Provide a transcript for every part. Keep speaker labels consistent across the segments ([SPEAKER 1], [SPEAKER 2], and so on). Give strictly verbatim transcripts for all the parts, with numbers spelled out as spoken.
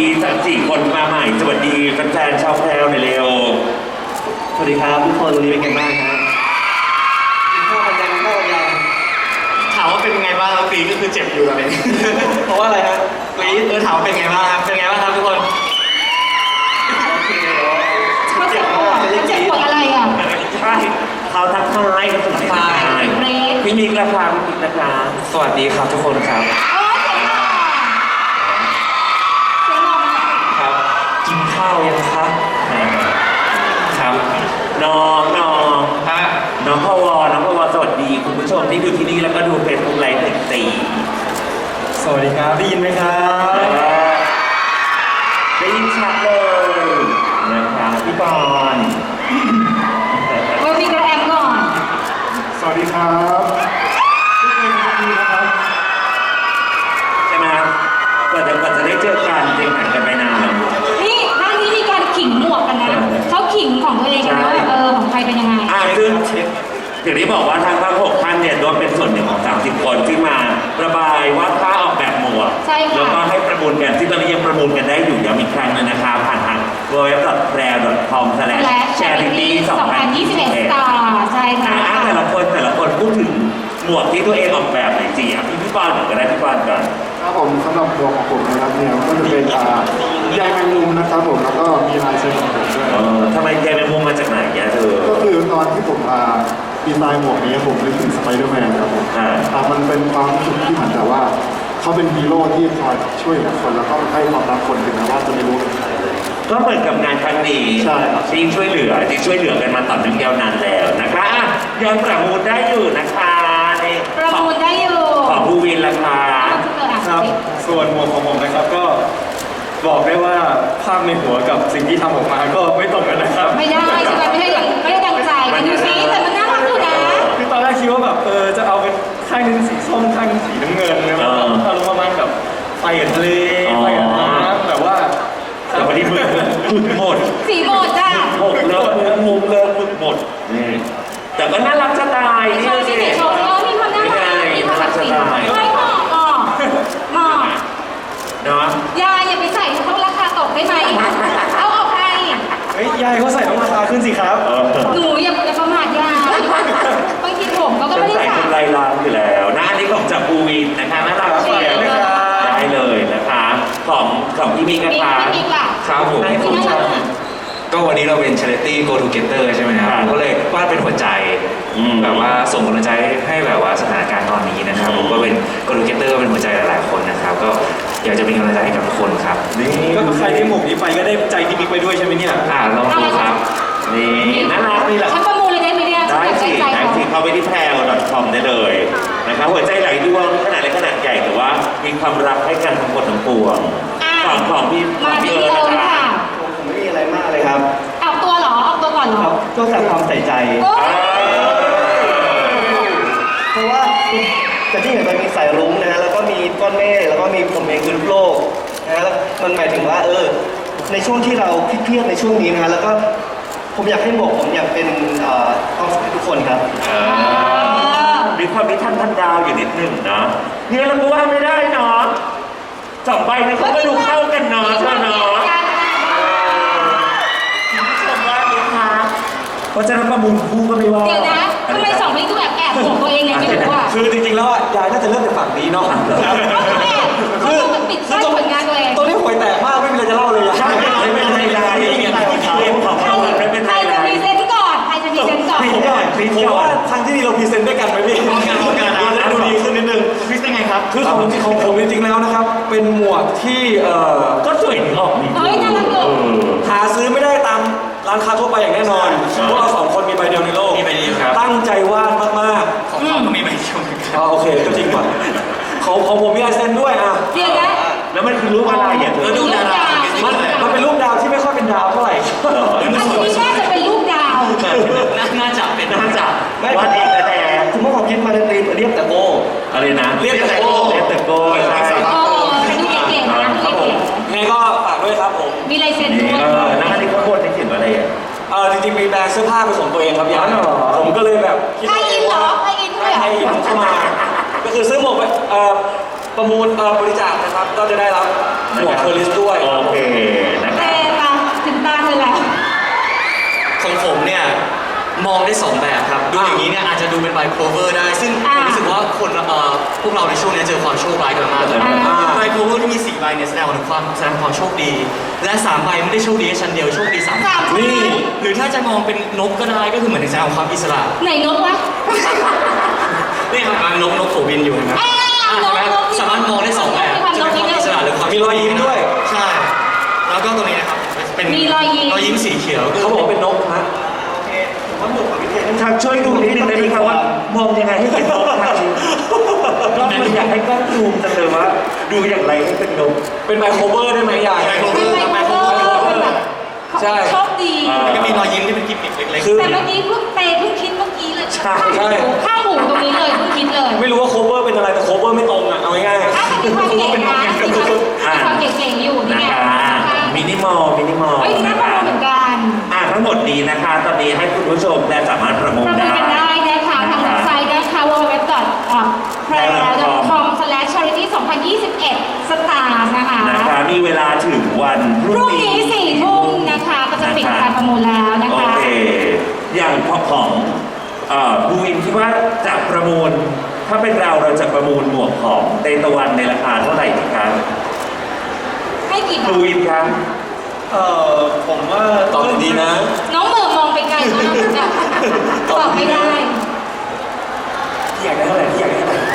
[SPEAKER 1] สามสี่คนมาใหม่สวัสดีแฟนๆชาวแพรวหน่อยเร็ว
[SPEAKER 2] สวัสดีครับทุกคนวันนี้เป็นไงบ้างครับกินข้าวกันยังข้าวกันยังถามว่าเป็นไงบ้างครับกรีดก็คือเจ็บอยู่ตอนนี้เพราะว่าอะไรครับกรีดเออถามว่าเป็นไงบ้างครับเป็นไงบ้างครับทุกคน
[SPEAKER 3] เขาเจ็บปวดเขาเจ็บปวดอะไรอ่ะ
[SPEAKER 1] ใช่เขาทักทายเขาทักทายพี่มิกราคาพี่มิกราคา
[SPEAKER 2] สวัสดีครับทุกคนครับครับกินข้าวยังครับครับ
[SPEAKER 1] น้องน้อง
[SPEAKER 2] ฮะ
[SPEAKER 1] น้องพวน้องพวสวัสดีคุณผู้ชมที่ดูที่นี่แล้วก็ดูเฟซบุ๊กไลฟ์หนึ่งสี่
[SPEAKER 2] สวัสดีครับได้ยินไหมครับ
[SPEAKER 1] ได้ยินชัดเลยนะครับพี่บอล
[SPEAKER 3] เรามีกระแอมก่อน
[SPEAKER 2] สวัสดีครับทุกคนดีนะครับ
[SPEAKER 1] ใช่ไหมครับกว่าจะกว่าจะได้เจอกันจริงห่างกันไปนานแล้ว
[SPEAKER 3] นี่ท่านนี้มีการขิงหมวกกันนะเขาขิงของตัวเองกันว่าเออของใครเป็นยังไง
[SPEAKER 1] อ่าซึ่งอย่างที่บอกว่าทางภาคหกท่านเนี่ยรวมเป็นส่วนหนึ่งของสามสิบคนที่มาระบายว่าถ้าออกแบบหมวกแล้วก็ให้ประมูลกันที่ตอนนี้ยังประมูลกันได้อยู่ย้ำอีกครั้งนึงนะคะผ่านทาง ดับเบิลยู ดับเบิลยู ดับเบิลยู ดอท คอม สแลช แชริตี้ สองพันยี่สิบเอ็ด
[SPEAKER 3] ต่อใช่ค่ะ
[SPEAKER 1] แต่ละคนแต่ละคนพูดถึงหมวกที่ตัวเองออกแบบหน่อยสิอ่ะพี่พี่ปอนก่อนก็ได้พี่ปอนก่อน
[SPEAKER 4] ครับผมสำหรับหมวกของผมนะครับเนี่ยก็จะเป็นใยแมงมุมนะครับผมแล้วก็มีลายเซ็นของผมด้วย
[SPEAKER 1] ทำไมใยแมงมุมมาจากไหนเนี่ยเธอ
[SPEAKER 4] ก็คือตอนที่ผมดีไซน์หมวกนี้ผมนึกถึงสไปเดอร์แมนครับผมมันเป็นความรู้สึกที่เหมือนแต่ว่าเขาเป็นฮีโร่ที่คอยช่วยเหลือคนแล้วก็ให้ความรักคนถึงแม้ว่าจะไม่รู้เป็นใครเลย
[SPEAKER 1] ก็เหมือนกับงานครั้งนี้ที่ช่วยเหลือที่ช่วยเหลือกันมาต่อเนื่องยาวนานแล้วนะคะยังประมูลได้อยู่นะคะ
[SPEAKER 3] นี่ประมูลได้อยู่
[SPEAKER 1] ของภูวินราคา
[SPEAKER 2] ครับส่วนหมวกของผมนะครับก็บอกได้ว่าภาพในหัวกับสิ่งที่ทำออกมาก็ไม่ตรงกันนะครับ
[SPEAKER 3] ไม่ได้ใช่ไหมไม่ได้อย่างไม่ได้ดังใจมันดูซิแต่มันน่ารักอยู่นะ
[SPEAKER 2] คือตอนแรกคิดว่าแบบเออจะเอาเป็นข้างนึงสีส้มข้างนึงสีน้ำเงินนะครับอารมณ์ประมาณแบบไฟกับทะเลไฟกับน้ำแต่ว่า
[SPEAKER 1] แต่วันนี้มึกหมด
[SPEAKER 3] สีหมดจ้ะ
[SPEAKER 1] หมดเลิกมุมเลิกมึกหมดนี่แต่ก็น่ารักจะตาย
[SPEAKER 3] นี่เลยสิโชว์มีความน่ารักมีความสีไม่หมอกหมอกหมอก
[SPEAKER 1] เนาะ
[SPEAKER 3] ยายอย่าไปใส่ต้องราคาตกได้ไหมเอาออกไป
[SPEAKER 2] เฮ้ยยายเขาใส่ต้องราคาขึ้นสิครับ
[SPEAKER 3] หนูอย่าอย่าประมาทยายบางทีผมเขาก็ไม่ได้
[SPEAKER 1] ใส่เป็นลายล้างอยู่แล้วนะอันนี้ของจากบูวินนะคะน่ารักเชียวได้เลยนะคะของของพี่มีกระทา
[SPEAKER 2] ครับผมก็วันนี้เราเป็น Charity Go Together ใช่ไหมครับผมก็เลยวาดเป็นหัวใจแบบว่าส่งกำลังใจให้แบบว่าสถานการณ์ตอนนี้นะครับผมก็เป็น Go Together เป็นหัวใจหลายๆคนนะครับก็อยากจะเป็นกำลังใจให้กับทุกคนครับก็ใครที่หมกนี้ไปก็ได้ใจที่มิกไปด้วยใช่ไหมเนี่ยอ่าลองดูครับ
[SPEAKER 1] นี่น่ารักนี่แหละ
[SPEAKER 3] ฉันประมูลเลยได้ไหมเนี่ย
[SPEAKER 1] ได้สิได้สิเข้าไปที่แพรว ดอท คอม ได้เลยนะครับหัวใจไหลดวงขนาดเล็กขนาดใหญ่แต่ว่ามีความรักให้กันทั้งหมดทั้งปวงของของพี่
[SPEAKER 3] มาพี่เอิร์ธค่ะ
[SPEAKER 2] ผมไม่มีอะไรมากเลยครับ
[SPEAKER 3] ออกตัวเหรอออกตัวก่อนเหรอ
[SPEAKER 2] ก็จากความใส่ใจเพราะว่าแต่ที่เห็นมันมีสายรุ้งนะฮะแล้วก็มีก้อนเมฆแล้วก็มีผมเองคือโลกนะแล้วมันหมายถึงว่าเออในช่วงที่เราเครียดในช่วงนี้นะแล้วก็ผมอยากให้หมวกผมอยากเป็นความสุขให้ทุกคนครับ
[SPEAKER 1] มีความนิทานพันดาวอยู่นิดหนึ่งนะเนี่ยเราก็ว่าไม่ได้เนาะสองใบเนี่ยเขาก็ดูเข้ากันเนาะใช่เนาะเพราะฉะนั้นประมูลคู่ก็ไม่ว่า
[SPEAKER 3] เดี๋ยวนะทำไมสองนี้ดูแอบแอบห่วงตัวเองไงไม่รู้ว่า
[SPEAKER 2] คือจริงๆแล้วยายน่าจะเริ่มจากฝั่งนี้เนาะ
[SPEAKER 3] คือมันปิดกั้นผลงานตัวเอง
[SPEAKER 2] ตอนนี้ห่วยแตกมากไม่มีอะไรจะเล่าเลย
[SPEAKER 1] ใช่ไม่เป็นไรเลยเกมของเขาไม่เป็น
[SPEAKER 3] ไรใครจะพรีเซนต์ก่อนใครจะพรีเซนต์ก่อน
[SPEAKER 2] ผมว่าทางที่นี่เราพรีเซนต์ด้วยกันไหมพี่พร้อมกันพร้อมกันแล้วดูดีขึ้นนิดนึงพรีเซนต์ไงครับคือของที่ของผมจริงๆแล้วนะครับเป็นหมวกที่เอ่อ
[SPEAKER 1] ก็สวยออก
[SPEAKER 3] เฮ้ยน่ารักเลย
[SPEAKER 2] หาซื้อไม่ได้ตามร้านค้าทั่วไปอย่างแน่นอนพวกเราสองคนมีใบเดียวในโลกมีใบเดียวครับตั้งใจวาดมากๆของเขาก็มีใบเดียวอ๋อโอเคก็จริงป่ะของของผมมีลายเซ็นด้วยอ่ะ
[SPEAKER 3] เดี๋ยวนะ
[SPEAKER 1] แล้วมันคือรูปอะไรอ่ะเธอ
[SPEAKER 2] ดูดาวมันมันเป็นรูปดาวที่ไม่ค่อยเป็นดาวเท่าไหร่
[SPEAKER 3] อันนี้น่าจะเป็นรูปดาว
[SPEAKER 2] น่าจะเป็น
[SPEAKER 1] น่าจะวาดเองแต่
[SPEAKER 2] คุณพ่อความคิดมาในตีมเรียบแต่โก
[SPEAKER 1] อะไรนะ
[SPEAKER 2] เรียบแต่โก
[SPEAKER 1] เรียบแต่โกใช่
[SPEAKER 3] โอ้ดูเก๋ๆนะดูเก๋
[SPEAKER 2] ๆไงก็ฝากด้วยครับผม
[SPEAKER 3] มีลายเซ็นด้วย
[SPEAKER 1] เออน้าที่เขาโพสต์ในเขียนว่าอะไรอ่ะ
[SPEAKER 2] เออจริงๆมีแบรนด์เสื้อผ้าเป็นของตัวเองครับยายผมก็เลยแบบ
[SPEAKER 3] คิดว่าไทยอินเหรอไทยอินด้วย
[SPEAKER 2] ไทยอินเข้ามาก็คือซื้อหมวกไปเอ่อประมูลเอ่อบริจาคนะครับก็จะได้รับหัวเคอร์ลิสด้วย
[SPEAKER 1] โอเคนะค
[SPEAKER 3] เต
[SPEAKER 1] รับ
[SPEAKER 3] ตาถึงตาเธอแล้ว
[SPEAKER 5] ของผมเนี่ยมองได้สองแบบครับดูอย่างนี้เนี่ยอาจจะดูเป็นไบโคเวอร์ได้ ซึ่งผ
[SPEAKER 3] อ่า
[SPEAKER 5] มรู้สึกว่าคนเอ่อพวกเราในช่วงนี้เจอความโชคร้ายกันมากเลย
[SPEAKER 3] อ่า
[SPEAKER 5] ไบโคเวอร์ที่มีสี่ใบเนี่ยแสดงถึงความแสดงความโชคดี และสามใบไม่ได้โชคดีแค่ชั้นเดียวโชคดีสาม
[SPEAKER 3] สามชั้น
[SPEAKER 5] นี่หรือถ้าจะมองเป็นนกก็ได้ก็คือเหมือนแสดงความอิสระ
[SPEAKER 3] ไหนนกวะ
[SPEAKER 5] นี่ครับกำลังนกนกโผบินอยู่เห็นไหม
[SPEAKER 3] อ่า
[SPEAKER 5] อ่ะ
[SPEAKER 3] นก
[SPEAKER 5] เห็นไหม
[SPEAKER 3] นก
[SPEAKER 5] สามารถมองได้สองแบบ
[SPEAKER 3] มีความ
[SPEAKER 5] จะเป็นความ
[SPEAKER 3] นก
[SPEAKER 5] อิสระหรือความ
[SPEAKER 2] มีรอยยิ้มด้วย
[SPEAKER 5] ใช่ แล้วก็ตรงนี้นะครับเป็น
[SPEAKER 3] มีรอยยิ้ม
[SPEAKER 5] รอยยิ้มสีเขียว
[SPEAKER 2] เขาบอกเป็นนกฮะ
[SPEAKER 1] ทางช่วยดูนิดนึงได้ไหมครับว่ามองยังไงให้เป็นนกครับก็มันอยากให้กล้องซูมจังเลยว่าดูอย่างไรให้เป็นนก
[SPEAKER 2] เป็นไบโคเวอร์ได้ไหมยาย
[SPEAKER 5] ไบโคเว
[SPEAKER 3] เป็
[SPEAKER 5] อน ร์
[SPEAKER 3] ไม
[SPEAKER 5] ครับไบ
[SPEAKER 3] โคร
[SPEAKER 5] โค
[SPEAKER 3] เว
[SPEAKER 5] เว
[SPEAKER 3] อ
[SPEAKER 5] อร์
[SPEAKER 3] ร์เป็นแบบ
[SPEAKER 2] ใช่
[SPEAKER 3] โชคดี
[SPEAKER 1] อ่า
[SPEAKER 5] แล้วก็มีรอยยิ้มที่เป็นกิมมิคเล็ก
[SPEAKER 2] คือ
[SPEAKER 3] แต่เมื่อกี้เพิ่งเตเพิ่งคิดเมื่อกี้เลย
[SPEAKER 1] ใช่
[SPEAKER 2] ใช่
[SPEAKER 3] ข้างหูตรงนี้เลยเพิ่งคิดเลย
[SPEAKER 2] ไม่รู้ว่าโคเวอร์เป็นอะไรแต่โคเวอร์ไม่ตรงอ่ะเอาง่าย
[SPEAKER 3] อ่ะมีความเก่งนะมีความมีความเก่งๆอยู่นี่
[SPEAKER 1] นะ
[SPEAKER 3] ไง
[SPEAKER 1] คะมินิมอลมินิมอล
[SPEAKER 3] เฮ้ยน่า
[SPEAKER 1] นะ
[SPEAKER 3] ประ
[SPEAKER 1] คะ
[SPEAKER 3] มูลเหมือนกัน
[SPEAKER 1] อ่าทั้งหมดนี้นะคะ ตอนนี้ให้คุณผู้ชมได้สามารถประมู
[SPEAKER 3] ป
[SPEAKER 1] ล
[SPEAKER 3] ระมูล
[SPEAKER 1] ได้
[SPEAKER 3] กันได้นะคะทางเว็บไซต์นะคะ ดับเบิลยู ดับเบิลยู ดับเบิลยู ดอท แพร ดอท คอม สแลช ชาริตี้ สองพันยี่สิบเอ็ด สตาร์นะคะ
[SPEAKER 1] นะคะมีเวลาถึงวันพ
[SPEAKER 3] พ
[SPEAKER 1] รุ่ง
[SPEAKER 3] รุ่ง
[SPEAKER 1] นี้
[SPEAKER 3] นี้สี่ทุ่มนะคะก็จะปิดการประมูลแล้วนะ
[SPEAKER 1] โอ
[SPEAKER 3] คะ
[SPEAKER 1] เค อย่างของเอ่อบูวินคิดว่าจะประมูล ถ้าเป็นเราเราจะประมูลหมวกของเตตะวันในราคาเท่าไหร่ดีครับ
[SPEAKER 3] ให้กี่บา
[SPEAKER 1] บู
[SPEAKER 3] ท
[SPEAKER 1] วินครับ
[SPEAKER 2] ๆเอ่อผมว่าตอบดีนะ
[SPEAKER 3] น้องเหม่อมองไปไกลมากอะตอบไม่ได้
[SPEAKER 2] พี่อยากได้เท่าไหร่พี่อยากได้เท่าไหร่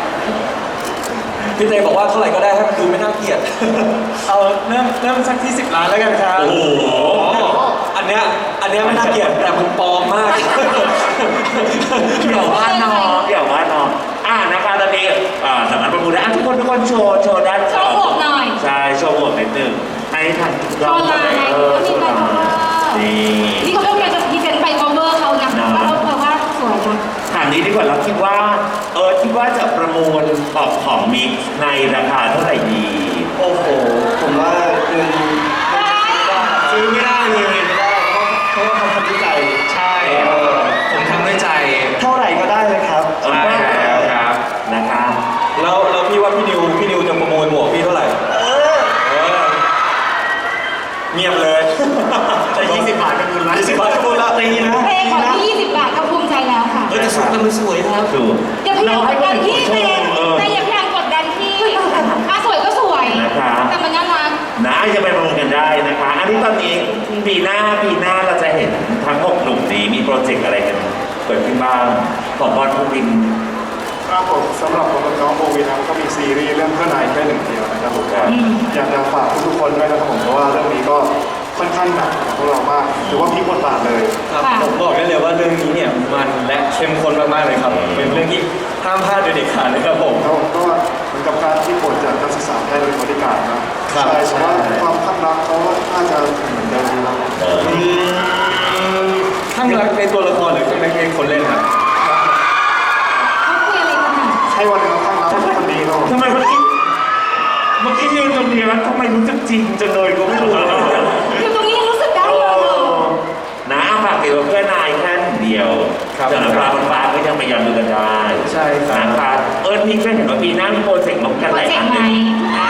[SPEAKER 2] พี่เตบอกว่าเท่าไหร่ก็ได้ให้มันดูไม่น่าเกลียด เอาเริ่มเริ่มสักที่สิบล้านแล้วกันครับ
[SPEAKER 1] โอ้โห
[SPEAKER 2] อันเนี้ยอันเนี้ยไม่น่าเกลียดแต่มันปลอมมาก
[SPEAKER 1] เกี่ยวว่าน้องเกี่ยวว่าน้องอ่านะคะตอนนี้อ่าสามารถประมูลได้อ่ะทุกคนทุกคนโชว์โชว์ด้าน
[SPEAKER 3] โชว์หมวกหน่อย
[SPEAKER 1] ใช่โชว์หมวกนิดนึงให้ทาง
[SPEAKER 3] โชว์ลาย
[SPEAKER 1] เออ
[SPEAKER 3] ก็มี
[SPEAKER 1] โชว์
[SPEAKER 3] ไบ
[SPEAKER 1] ลา
[SPEAKER 3] โคเวอร์
[SPEAKER 1] ยนี่
[SPEAKER 3] นี่เขาก็พยายามจะพรีเซนต์ไบโคเวอร์เขานะ
[SPEAKER 1] เนอะ
[SPEAKER 3] ว่าเขาว่าสวยนะ
[SPEAKER 1] ถามนี้ดีกว่าเราคิดว่าเออคิดว่าจะประมูลออกของมิกซ์ในราคาเท่าไหร่ดี
[SPEAKER 6] โอ้โห ผมว่าเงินซื้อไม่ได้เลยไม่ได้เพราะว่าเขาทำด้วยใจ
[SPEAKER 2] ใช่ผมทำด้วยใจ
[SPEAKER 6] เท่าไหร่ก็ได้เลยครับ
[SPEAKER 1] ใช่แล้วครับนะคะ
[SPEAKER 2] แล้วแล้วพี่ว่าพี่นิวพี่นิวจะประมูลหมวกพี่เท่าไหร่
[SPEAKER 6] เออ
[SPEAKER 2] เออเงียบเลย
[SPEAKER 6] จะยี่สิบบาทก็บุญละ
[SPEAKER 2] ยี่สิบบาทก็บุญละ
[SPEAKER 6] ตีนะ
[SPEAKER 3] เป้ขอ
[SPEAKER 6] ตีนะ
[SPEAKER 3] ที่ยี่สิบบาทก็ภูมิใจแล้วค่ะ
[SPEAKER 5] เออแต่สวยแต่มันสวยครับ
[SPEAKER 1] ถูก
[SPEAKER 3] อย่าพยายามกดดันพี่เป้
[SPEAKER 1] เออ
[SPEAKER 3] แต่อย่าพยายามกดดันพี่อ่ะสวยก็สวย
[SPEAKER 1] นะคะ
[SPEAKER 3] แต่มันน่ารัก
[SPEAKER 1] นะจะไปประมูลกันได้นะคะ อันนี้ตอนนี้ปีหน้าปีหน้าเราจะเห็นทั้งหกหนุ่มนี้มีโปรเจกต์อะไรกันเกิดขึ้นบ้างของบอลภูวิน
[SPEAKER 4] ครับผมสำหรับผมกับน้องโบวีนะครับก็มีซีรีส์เรื่องเพื่อนนายแค่หนึ่งเดียวนะครับผม
[SPEAKER 1] ครับ
[SPEAKER 4] อยากจะฝากทุกๆคนด้วยนะครับผมเพราะว่าเรื่องนี้ก็ค่อนข้างหนักของพวกเรามากถือว่าพลิกบทบาทเลย
[SPEAKER 2] ครับผมบอกได้เลยว่าเรื่องนี้เนี่ยมันและเข้มข้นมากๆเลยครับ เป็นเรื่องที่ห้ามพลาดโดยเด็ดขาดเลยครับผม
[SPEAKER 4] แล้วผมก็เหมือนกับการที่บทจากนักศึกษาแพทย์เป็นบริการนะครับ ใช่แต่ว่าความข้างรักเขาน่าจะเหมือนเดิมนะครับ
[SPEAKER 1] เออ
[SPEAKER 2] ข้างรักในตัวละครหรือข้างรักในคนเล่นครับ
[SPEAKER 3] เขาคุยอะไรกันอ่ะ
[SPEAKER 4] ใช่วันนี้ข้างรักคนนี้ครับผม
[SPEAKER 1] ทำไมเมื่อกี้เมื่อกี้ยืนตรงนี้แล้วทำไมรู้สึกจริงจังเลยก็ไม่รู้
[SPEAKER 3] อยู่ตรงนี้ยังรู้สึกได้เลยเหรอ
[SPEAKER 1] นะฝากเกี่ยวกับเพื่อนนายแค่เดียว
[SPEAKER 2] ครับ
[SPEAKER 1] แต่ละปลาบนฟ้าก็ยังไปยังดูกันได้
[SPEAKER 2] ใช่ครับ
[SPEAKER 1] นะคะเออนี่ก็เห็นว่าปีหน้ามีโปรเจกต์ลงกันหลายอันเลยนะ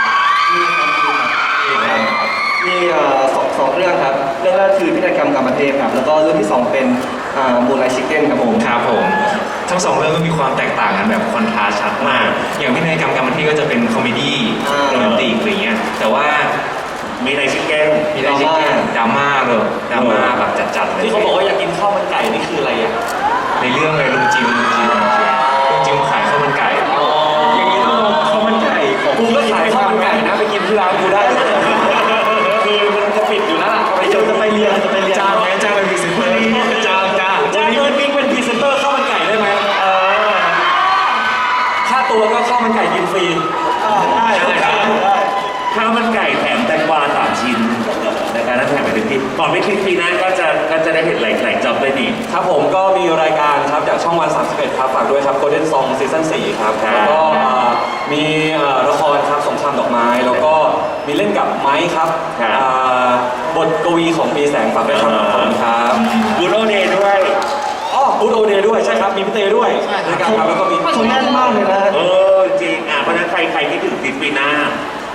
[SPEAKER 6] มีเอ่อสองสองเรื่องครับ เรื่องแรกคือพิธีกรรมกรรมเทพครับ แล้วก็เรื่องที่สองเป็นมูนไลท์ชิคเก้นครับผม
[SPEAKER 2] ครับผม ทั้งสองเรื่องก็มีความแตกต่างกันแบบคอนทราสต์ชัดมาก อย่างพินัยกรรมกรรมที่ก็จะเป็นคอมเมดี้
[SPEAKER 6] อ่า
[SPEAKER 2] โรแมนติกอะไรเงี้ย แต่ว่า
[SPEAKER 1] มีในชิคเก้น
[SPEAKER 2] มีได้ชิคเก้นดราม่าเลยดราม่าแบบจัดๆเลย
[SPEAKER 5] ที่เขาบอกว่าอยากกินข้าวมันไก่นี่คืออะไรอ่ะ
[SPEAKER 2] ในเรื่องเลยลุงจิมลุงจิมลุงจิมขายข้าวมันไก่ อย่างนี้ต้องลองข้าวมันไก่ของกูก็ขายข้าวมันไก่นะไปกินที่ร้านกูได้ คือมันจะปิดอยู่แล้วล่ะไปเจอจะไปเรียนจะไปเรียนจ้างไหมจ้างเป็นพรีเซนเตอร์จ้างจ้างจ้างเงินบิ๊กเป็นพรีเซนเตอร์ข้าวมันไก่ได้ไหมเออค่าตัวก็ข้าวมันไก่กินฟรีได้ได้ได้
[SPEAKER 1] ข้าวมันไก่แถมแตงกวาสามชิ้นนะคะนั่นแถมไปถึงที่ก่อนไปคลิปปีหน้าก็จะก็จะได้เห็นหลายหลายจ็อบเลยนี่
[SPEAKER 2] ครับผมก็มีรายการครับจากช่องวันสามสิบเอ็ดครับฝากด้วยครับ Golden Song ซีซั่นสี่ครับ
[SPEAKER 1] ครับ
[SPEAKER 2] แล้วก็เอ่อมีเอ่อละครครับสงครามดอกไม้ แล้วก็มีเล่นกับไม้ครับ
[SPEAKER 1] ครับ
[SPEAKER 2] อ่าบทกวีของปีแสงฝากด้วยครับขอบคุณครับ
[SPEAKER 1] บูโรเดย์ด้วย
[SPEAKER 2] อ๋อบูธโอเดย์ด้วยใช่ครับมีพี่เต้ด้วยใช่ครับแล้วก็มี
[SPEAKER 6] คนแน่นมากเลยนะ
[SPEAKER 1] เออจริงอ่ะเพราะฉะนั้นใครใครที่ถึงติดปีหน้า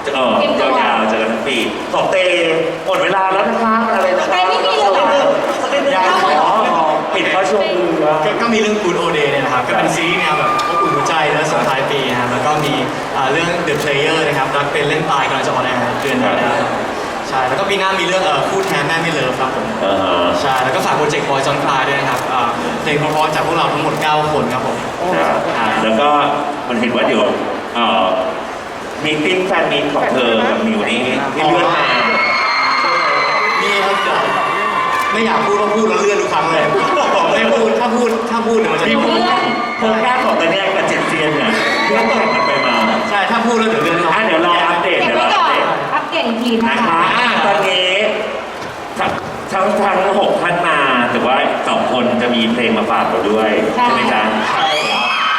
[SPEAKER 1] เออยาวๆเจอกันทั้งปีสองเตหมดเวลาแล้วนะคะอะไรนะ
[SPEAKER 3] ใครไม่มีเลยเหรอ
[SPEAKER 5] ยัง
[SPEAKER 1] อ๋อปิดเพราะช่วงเรือ
[SPEAKER 5] ก็ก็มีเรื่อง Good Old Day เนี่ยนะครับ ก็เป็นซีรีส์แนวแบบอบอุ่นหัวใจแล้วส่งท้ายปีนะครับแล้วก็มีอ่าเรื่อง The Player นะครับรักเป็นเล่นตายกำลังจะออนแอร์เดือนนี้นะครับใช่แล้วก็ปีหน้ามีเรื่องเอ่อคู่แท้แม่ไม่เลิฟครับผม
[SPEAKER 1] อ่าฮะ
[SPEAKER 5] ใช่ แล้วก็ฝากโปรเจกต์บอยจอนคลายด้วยนะครับอ่าเพลงเพราะๆจากพวกเราทั้งหมด เก้า คนครับผม
[SPEAKER 1] ครับแล้วก็มันเห็นว่าเดี๋ยวเอ่อมีติ้งแฟนมีตของเธอกับมิวนี่ที่เลื่อนมา
[SPEAKER 5] นี่ครับเดี๋ยวไม่อยากพูดก็พูดแล้วเลื่อนทุกครั้งเลยบอกไม่พูด ถ้าพูด ถ้าพูดเดี๋ยวมันจะ
[SPEAKER 1] มีคนโครงการของตะแนกกับเจ็ดเซียนเนี่ยเลื่อนแข่งกันไปมา
[SPEAKER 5] ใช่ ถ้าพูดแล้วเดี๋ยวเลื่อน
[SPEAKER 1] อ่ะเดี๋ยวรออัปเดต
[SPEAKER 3] เก็บ
[SPEAKER 1] เดี๋ยว
[SPEAKER 3] ไว้
[SPEAKER 1] รอ
[SPEAKER 3] ก่
[SPEAKER 1] อั
[SPEAKER 3] อ
[SPEAKER 1] ปเด
[SPEAKER 3] น
[SPEAKER 1] ต
[SPEAKER 3] อัปเดตอีกทีนะ
[SPEAKER 1] นะคะ คะอ่ะตอนนี้ทั้งทั้งทั้งหกท่านมาแต่ว่าสองคนจะมีเพลงมาฝากเราด้วยใช่ไหมจ๊ะ
[SPEAKER 5] ใช่ครับ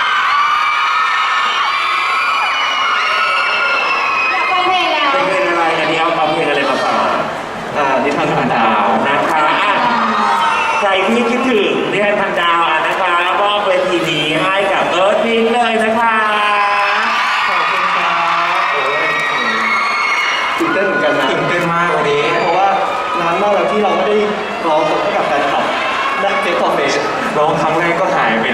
[SPEAKER 3] อยากฟังเพลงแล้ว
[SPEAKER 1] เป็นเพลงอะไรอันนี้เอาเอาเพลงอะไรมาฝาก
[SPEAKER 6] อ่านิทานผ่านดาว
[SPEAKER 1] นะคะอ่ะใครที่คิดถึงนิทานพันดาวอ่ะนะคะมอบเวทีนี้ให้กับเอิร์ธพิงค์เลยนะคะ
[SPEAKER 6] ขอบคุณครับโอ้ยตื่นเต้นเหมือนกันนะ
[SPEAKER 2] ตื่นเต้นมากวันนี้
[SPEAKER 6] เพราะว่านานมากแล้วที่เราไม่ได้ร้องสดให้กับแฟนคลับและเฟซต่อเฟซ
[SPEAKER 2] ร้องครั้งแรกก็หายไป